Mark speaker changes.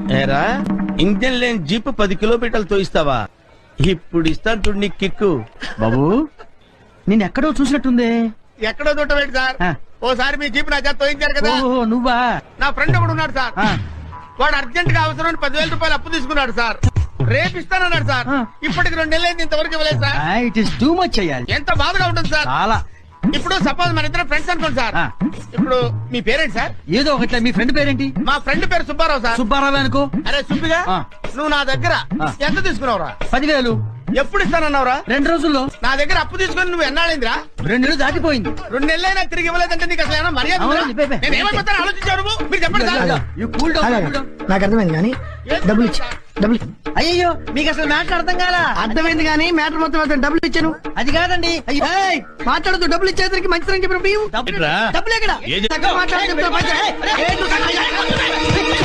Speaker 1: ఏరా ఇంజన్ లేని జీప్ 10 కిలోమీటర్లు తోయిస్తావా? ఇప్పుడు ఇస్తాను చూడు నీ కిక్కు.
Speaker 2: బాబు నేను ఎక్కడో చూసినట్టుంది.
Speaker 3: ఎక్కడో చూడటం సార్, ఓసారి మీ జీప్ నా చేత తోయించారు కదా.
Speaker 2: ఓహో నువ్వా?
Speaker 3: నా ఫ్రెండ్ ఒకడు ఉన్నాడు సార్, వాడు అర్జెంట్ గా అవసరం 10,000 రూపాయలు అప్పు తీసుకున్నాడు సార్. రేపు ఇస్తానన్నాడు సార్. ఇప్పటికి 2 నెలలైంది, ఇంతవరకు ఇవ్వలేదు sir.
Speaker 2: It is too much అయ్యాలి.
Speaker 3: ఎంత బాధగా ఉంటుంది సార్.
Speaker 2: చాలా.
Speaker 3: ఇప్పుడు సపోజ్ మన ఇద్దరు ఫ్రెండ్స్ అనుకోండి సార్. ఇప్పుడు మీ పేరేంటి సార్?
Speaker 2: ఏదో ఒకటి. మీ ఫ్రెండ్ పేరేంటి?
Speaker 3: మా ఫ్రెండ్ పేరు సుబ్బారావు సార్.
Speaker 2: సుబ్బారావు అనుకో.
Speaker 3: అరే సుబ్బిగా, నువ్వు నా దగ్గర ఎంత తీసుకున్నావురా?
Speaker 2: 10,000.
Speaker 3: ఎప్పుడు ఇస్తానన్నావురా?
Speaker 2: 2 రోజుల్లో.
Speaker 3: నా దగ్గర అప్పు తీసుకుని నువ్వు ఎన్నాళ్ళైందిరా?
Speaker 2: 2 నెలలు దాటిపోయింది.
Speaker 3: 2 నెలలైనా తిరిగి ఇవ్వలేదంటే నీకు అసలు ఏమైనా మర్యాద ఉందా? నేను ఏమైపోతాను ఆలోచించారు నువ్వు? మీరు చెప్పండి సార్.
Speaker 4: నాకు అర్థమైంది కానీ డబ్బులు ఇచ్చి
Speaker 2: అయ్యో మీకు అసలు మ్యాటర్ అర్థం కాలా?
Speaker 4: అర్థమైంది కానీ మ్యాటర్ మొత్తం డబ్బులు ఇచ్చాను.
Speaker 2: అది కాదండి.
Speaker 4: మాట్లాడుతూ డబ్బులు ఇచ్చేసరికి మంచిదని చెప్పిన
Speaker 2: డబ్బులు ఎక్కడ?
Speaker 4: మాట్లాడుతూ